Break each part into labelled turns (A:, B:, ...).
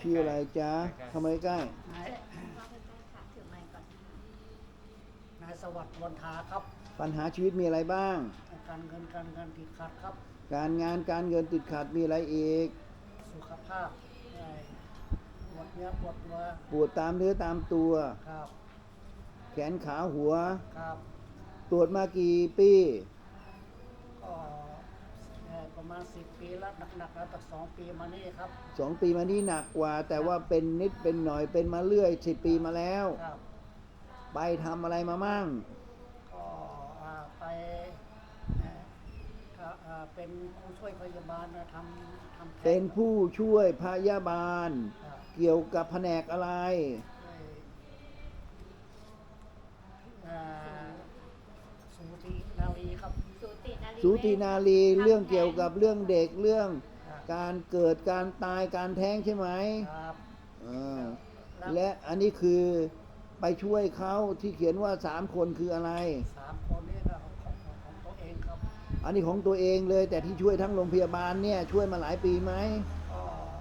A: ชื่ออะไรจ๊ะทำไมใกล้
B: นายนายสวัสดิ์วันทาครับ
A: ปัญหาชีวิตมีอะไรบ้าง
B: การเงินติดขัดครับ
A: การงานการเงินติดขัดมีอะไรอีก
B: สุขภาพปวดเนื้อปวดตัว
A: ปวดตามเนื้อตามตัว
B: ครับ
A: แขนขาหัว
B: ครับ
A: ตรวจมากี่ปี
B: ก็ประมาณ10 ปีแล้วหนักๆแล้วตั้ง2 ปีมานี่ครับ
A: 2 ปีมานี้หนักกว่า แต่ว่าเป็นนิดเป็นหน่อยเป็นมาเรื่อย10 ปีมาแล้ว
B: ครับ
A: ไปทำอะไรมามั่ง
B: ก็ไปเป็นผู้ช่วยพยาบาลทำ
A: เป็นผู้ช่วยพยาบาลเกี่ยวกับแผนกอะไร
B: สูตินารีครับ
A: สูตินารีเรื่องเกี่ยวกับเรื่องเด็กเรื่องการเกิดการตายการแท้งใช่ไหม
B: ครับ
A: และอันนี้คือไปช่วยเขาที่เขียนว่า3 คนคืออะไร
B: 3 คนนี่ก็ของตัวเองครับ
A: อันนี้ของตัวเองเลยแต่ที่ช่วยทั้งโรงพยาบาลเนี่ยช่วยมาหลายปีไหม
B: ก็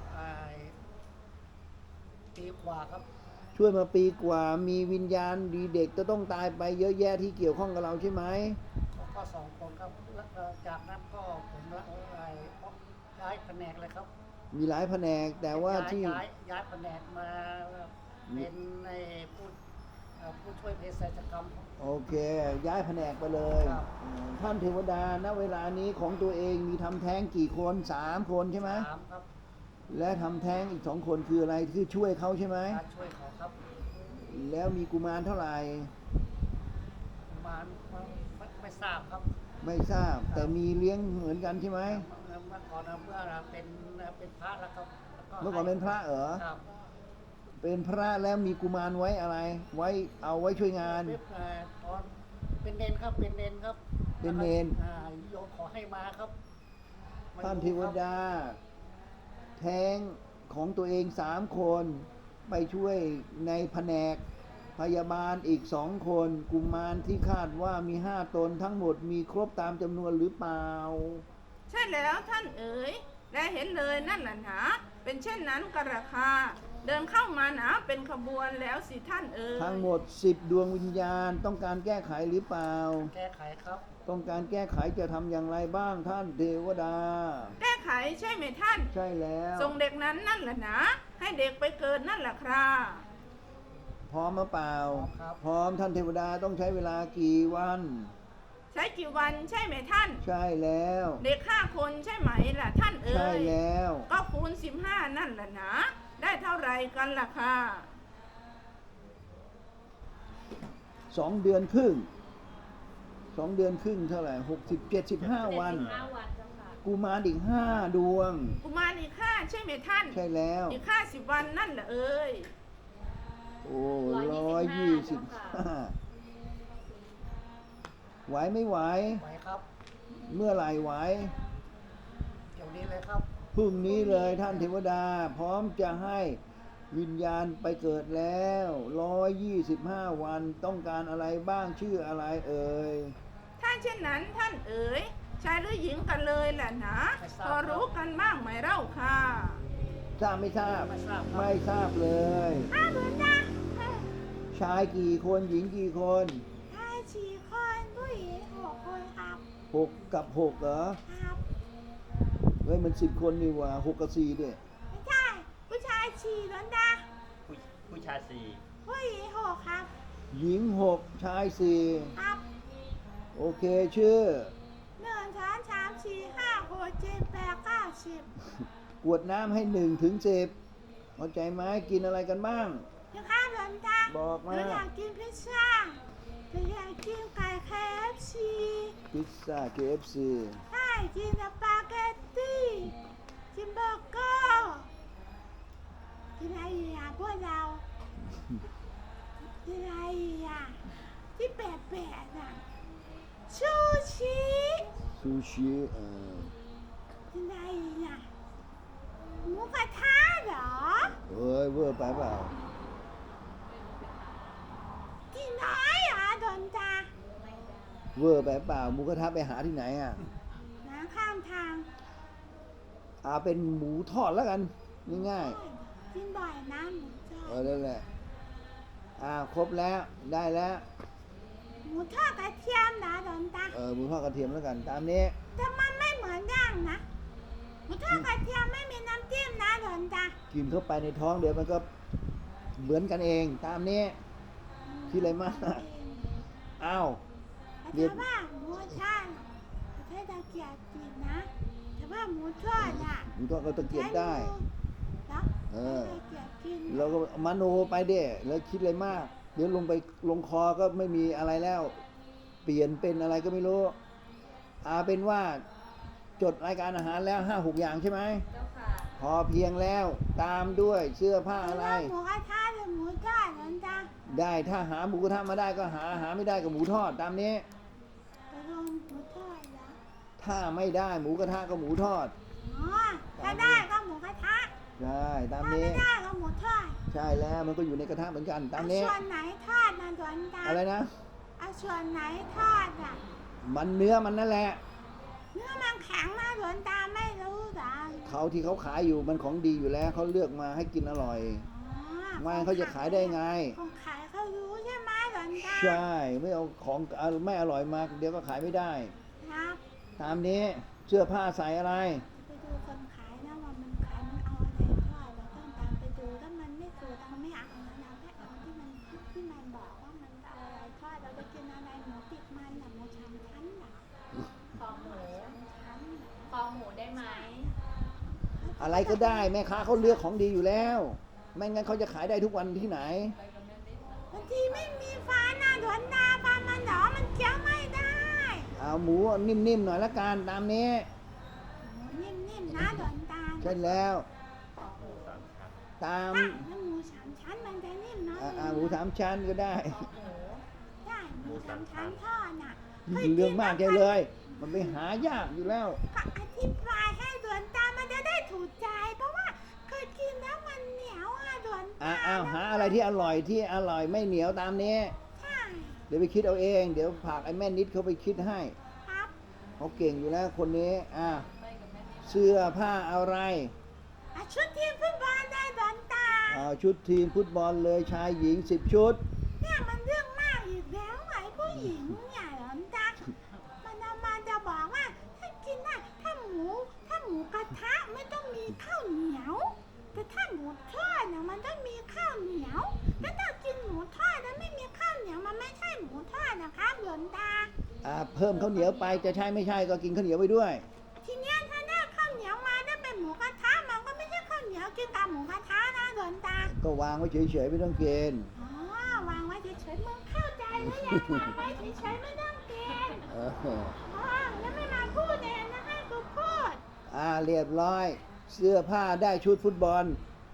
B: ปีกว่าครับ
A: ช่วยมาปีกว่ามีวิญญาณดีเด็กจะต้องตายไปเยอะแยะที่เกี่ยวข้องกับเราใช่ไหม
B: ก็2 คนครับแล้วจากนั้นก็ผมย้ายแผนกเลยครับ
A: มีหลายแผนกแต่ว่าที่
B: ย้ายแผนกมาเป็นในผู้ช่วยเภสัชกรรม
A: โอเคย้ายแผนกไปเลยท่านเทวดาณเวลานี้ของตัวเองมีทำแท้งกี่คน3 คนใช่ไหม
B: 3 ครับ
A: และทำแท้งอีก2 คนคืออะไรคือช่วยเขาใช่ไหม
B: ช่วยเขาครับ
A: แล้วมีกุมารเท่าไหร่
B: กุมารไม่ทราบครับ
A: ไม่ทราบแต่มีเลี้ยงเหมือนกันใช่ไหม
B: เมื่อก่อนเมื่อเป็นพระแล้วครับ
A: เมื่อก่อนเป็นพระเหรอ
B: ครับ
A: เป็นพระแล้วมีกุมารไว้อะไรไว้เอาไว้ช่วยงาน
B: ตอนเป็นเนนครับเป็นเนนครับ
A: เป็นเนน
B: โยมขอให้มาครับ
A: ท่านเทวดาแท้งของตัวเอง3 คนไปช่วยในแผนกพยาบาลอีก2 คนกุมารที่คาดว่ามี5 ตนทั้งหมดมีครบตามจำนวนหรือเปล่า
C: ใช่แล้วท่านเอ๋ยและเห็นเลยนั่นแหละหนาเป็นเช่นนั้นกระคาเดินเข้ามาหนาเป็นขบวนแล้วสิท่านเอ๋ย
A: ทั้งหมด10 ดวงวิญญาณต้องการแก้ไขหรือเปล่า
B: แก้ไขครับ
A: ต้องการแก้ไขจะทำอย่างไรบ้างท่านเทวดา
C: แก้ไขใช่ไหมท่าน
A: ใช่แล้ว
C: ส่งเด็กนั้นนั่นแหละนะให้เด็กไปเกิดนั่นแหละครับ
A: พร้อมหรือเปล่าพร้อมท่านเทวดาต้องใช้เวลากี่วัน
C: ใช้กี่วันใช่ไหมท่าน
A: ใช่แล้ว
C: เด็ก5 คนใช่ไหมล่ะท่านเอ๋ย
A: ใช่แล้ว
C: ก็คูณ15นั่นแหละนะได้เท่าไรกันล่ะค่ะ
A: 2 เดือนครึ่ง2 เดือนครึ่งเท่าไหร่75 วันกุมารอีก5 ดวง
C: กุมารอีก5ใช่ไหมท่าน
A: ใช่แล้ว
C: อีก50 วันนั่นแหละเอ๋ย
A: โอ้125ไหวไม่ไหว
B: ไหวครับ
A: เมื่อไหร่ไหว
B: เดี๋ยวนี้เลยครับ
A: พรุ่งนี้เลยท่านเทวดาพร้อมจะให้วิญญาณไปเกิดแล้ว125 วันต้องการอะไรบ้างชื่ออะไรเอ่ย
C: ถ้าเช่นนั้นท่านเอ๋ยชายหรือหญิงกันเลยแหละนะพอรู้กันบ้างไหมเล่าค่ะ
A: ทราบไม่ทราบไม่ทราบเลย
C: เหมือนกัน
A: ชายกี่คนหญิงกี่คน
C: ชาย4 คนผู้หญิง6 คนครับ
A: 6 กับ 6เหรอ
C: ครับ
A: เฮ้ยมัน10 คนนี่ว่า6 กับ 4ด้วย
C: ไม่ใช่ผู้ชาย4แล้วนะ
D: ผู้ชาย4
C: ผู้หญิง6ครับ
A: หญิง6ชาย4
C: ครับ
A: โอเคชื่อ
C: 1 2 3 4 5 6 7 8 9 10
A: กวดน้ำให้1 ถึง 10เข้าใจไหมกินอะไรกันบ้าง
C: พี่ข้าวหลวงตา
A: บอกมา
C: อยากกินพิซซ่าอยากกินไก่ KFC
A: พิซซ่า KFC
C: ใช่กินสปาเกตตี้กินเบอร์เกอร์กินอะไรอ่ะพวกเรากินอะไรอ่ะที่แปลกๆอ่ะซูชิกินอะไรอ่ะหมูกระทะเหรอ
A: เฮ้ยเวอร์ไปเปล่า
C: กินน้อยเหรอโดนตา
A: เวอร์ไปเปล่าหมูกระทะไปหาที่ไหนอ่ะ
C: ข้ามทาง
A: เป็นหมูทอดแล้วกันง่าย
C: ๆ
E: กินบ่อยนะหมูทอด
A: นั่นแหละครบแล้วได้แล้ว
E: หมูทอดกระเทียมนะหลวงตา
A: หมูทอดกระเทียมแล้วกันตามนี้
E: แต่มันไม่เหมือนย่างนะหมูทอดกระเทียมไม่มีน้ำจิ้มนะหลวงตา
A: กินเข้าไปในท้องเดี๋ยวมันก็เหมือนกันเองตามนี้คิดอะไรมากอ้าว
E: แต่ว่าหมูทอดใช้ตะเกียบกินนะแต่ว่าหมูทอดอ่ะ
A: หมูทอดก็ตะเกียบได้
E: ใช้มือ
A: เออ
E: ใช้ตะเกียบกิน
A: เราก็มโนไปเด้แล้วคิดอะไรมาก เดี๋ยวลงคอก็ไม่มีอะไรแล้ว เปลี่ยนเป็นอะไรก็ไม่รู้เป็นว่าจดรายการอาหารแล้ว5-6 อย่างใช่ไหมเจ้าค่ะพอเพียงแล้วตามด้วยเสื้อผ้าอะไร
E: หมูกระทะหรือหมูทอดหลวงตา
A: ได้ถ้าหาหมูกระทะมาได้ก็หาไม่ได้ก็หมูทอดตามนี้
E: ไปลงหมูทอดแล้ว
A: ถ้าไม่ได้หมูกระทะก็หมูทอด
E: อ๋อถ้าได้ก็หมูกระทะ
A: ใช่ตาม
E: ถ้า
A: นี้
E: ไม่ได้ก็หมูทอด
A: ใช่แล้วมันก็อยู่ในกระทะเหมือนกันตาม
E: เอา
A: นี้
E: ส่วนไหนทอดนะหลวงตา
A: อะไรนะ
E: เอาส่วนไหนทอดอ่ะ
A: มันเนื้อมันนั่นแหละ
E: เนื้อมันแข็งนะหลวงตาไม่รู้เหรอ
A: เขาที่เขาขายอยู่มันของดีอยู่แล้วเขาเลือกมาให้กินอร่อย
E: อ๋อ
A: ไม่เขาจะขายได้ไง
E: คนขายเขารู้ใช่ไหมหลวงตา
A: ใช่ไม่เอาของไม่อร่อยมาเดี๋ยวก็ขายไม่ได้
E: ครับ
A: ตามนี้เสื้อผ้าใส่อะไร
E: ไปดูคนขายนะว่ามันขายมันเอาอะไรทอดเราต้องตามไปดูถ้ามันไม่ถูกเราไม่เอานะเราแค่เอาที่มันบอกว่ามันเอาอะไรทอดเราจะกินอะไรหมูติดมันหรือหมูสามชั้นหรอ
F: คอหมู
E: ชั้นเหรอ
F: คอหมูได้ไหม
A: อะไรก็ได้แม่ค้าเขาเลือกของดีอยู่แล้ว ไม่งั้นเขาจะขายได้ทุกวันที่ไหน
E: บางทีไม่มีฟ้าหน้าหลวงตาฟ้ามันหนอมันเคี้ยวไม่ได้
A: เอาหมูนิ่มๆหน่อยละกันตามนี้
E: นิ่มๆนะหลวงตา
A: ใช่แล้ว ตาม
E: แล้วหมูสามชั้นมันจะนิ่มเนาะ
A: หมู3 ชั้นก็ได้
E: ได้หมูสามชั้นทอดน่ะ
A: เรื่องมากใจเลย มันไปหายากอยู่แล้ว
E: ก็อธิบายให้หลวงตามันจะได้ถูกใจ เพราะว่าเคยกินแล้วมันเหนียวหลวงตา
A: หาอะไรที่อร่อยไม่เหนียวตามนี้
E: ใช่
A: เดี๋ยวไปคิดเอาเอง เดี๋ยวผากไอ้แม่นิดเขาไปคิดให้
E: ครับ
A: เขาเก่งอยู่แล้วคนนี้เสื้อผ้าอะไร
E: ชุดทีมฟุตบอลได้หลวงตา
A: ชุดทีมฟุตบอลเลยชายหญิง10 ชุด
E: เนี่ยมันเรื่องมากอีกแล้วไอ้ผู้หญิงเนี่ยหลวงตามันเอามาจะบอกว่าถ้ากินน่ะถ้าหมูกระทะไม่ต้องมีข้าวเหนียว แต่ถ้าหมูทอดเนี่ยมันต้องมีข้าวเหนียวแต่ถ้ากินหมูทอดแล้วไม่มีข้าวเหนียวมันไม่ใช่หมูทอดนะครับหลวงตา
A: เพิ่มข้าวเหนียวไปจะใช่ไม่ใช่ก็กินข้าวเหนียวไปด้วย
E: ทีเนี้ยถ้าได้ข้าวเหนียวมาได้เป็นหมูกระทะมันก็ไม่ใช่ข้าวเหนียวกินกับหมูกระทะนะหลวงตา
A: ก็วางไว้เฉยๆไม่ต้องกิน
E: อ๋อวางไว้เฉยๆมึงเข้าใจหรือยังวางไว้เฉยๆไม่ต้องกิน
A: เออ
E: อ๋อแล้วไม่มาพูดเองนะให้กูพูด
A: เรียบร้อย เสื้อผ้าได้ชุดฟุตบอล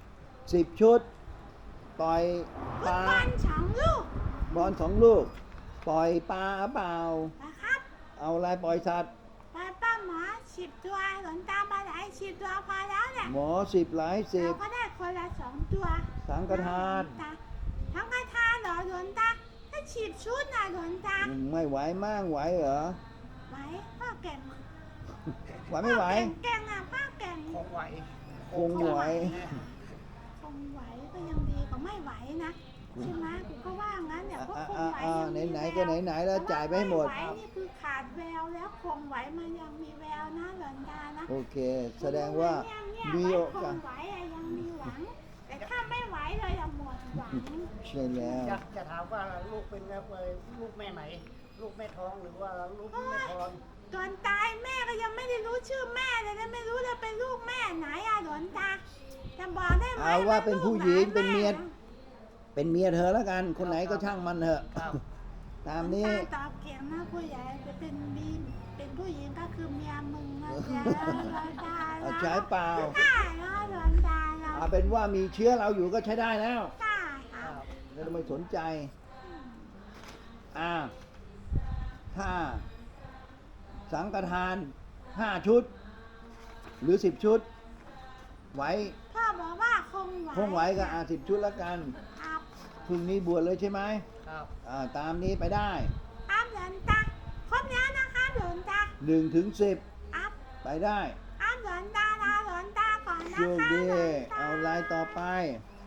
A: 10 ชุด ปล่อย
E: ฟุ
A: ป
E: ต
A: ลา
E: บอล2 ลูก
A: บอล2 ลูก ปล่อยปลาเปล่า
E: นะครับ
A: เอาอะไรปล่อยสัตว์
E: ไปป้าหมอ10 ตัวหลวงตามาหลาย10 ตัวพอแล้วแหละ
A: หมอ10หลาย
E: เราก็ได้คนละ2 ตัว
A: สังฆทาน
E: สังฆทานเหรอหลวงตาถ้า10 ชุดนะหลวงตา
A: ไม่ไหวมั่งไหวเหรอ
E: ไหวพ่อเก่ง
A: ไหวไม่ไหว
E: เก่งอ่ะพ่อเก่ง
B: คงไหว
A: คงไหว
E: คงไหวก็ยังดีกว่าไม่ไหวนะใช่ไหมกูก็ว่างั้นเนี่ยเพราะคงไหวยังมีแวว
A: ไหนๆก็ไหนๆแล้วจ่ายไปให้หมด
E: แต่ว่าไไหวนี่คือขาดแววแล้วคงไหวมันยังมีแววนะหลวงตานะ
A: โอเค แสดงว่ามี
E: มี
A: โอ
E: ค
A: กาส
E: งไหวอะยังมีหวัง แต่ถ้าไม่ไหวเลยอะหมดหวัง
A: ใช่แล้ว
B: จะถามว่าลูกเป็นลูกแม่ไหน ลูกแม่ท้องหรือว่าลูกแม่ทอน
E: ตอนตายแม่ก็ยังไม่ได้รู้ชื่อแม่เลยนะไม่รู้จะเป็นลูกแม่ไหนอะหลวงตาจะบอกได้ไหม
A: เอาว่าเป็นผู้หญิง
E: ลูก
A: เป็นเมีย
E: แะ
A: เป็นเมียเธอแล้วกัน คนไหนก็ช่างมันเถอะ
B: ครับ
A: ตามนี้
E: หลวงตาตอบเก่งนะผู้ใหญ่จะเป็นบีมเป็นผู้หญิงก็คือเมียมึงนะจ๊ะหลวงตา
A: เอาใช้เปล่า
E: ได้แล้วหลวงตาเรา
A: เอาเป็นว่ามีเชื้อเราอยู่ก็ใช้ได้แล้ว
E: ได้ค่ะ
A: ไม่ต้องไปสนใจ ถ้าสังฆทาน 5 ชุด หรือ 10 ชุด ไหว
E: พ่อบอกว่าคงไหว
A: คงไหวก็10 ชุดแล้วกัน
E: ครับ
A: พรุ่งนี้บวชเลยใช่ไหม
B: ครับ
A: ตามนี้ไปได้
E: ครับหลวงตาครบแล้วนะคะหลวงตา
A: 1 ถึง
E: ครับ
A: 10 ไปได้
E: ครับหลวงตาลาหลวงตาก่อนนะ
A: โชคดี
E: หลวงตา
A: เอาลายต่อไป
E: ข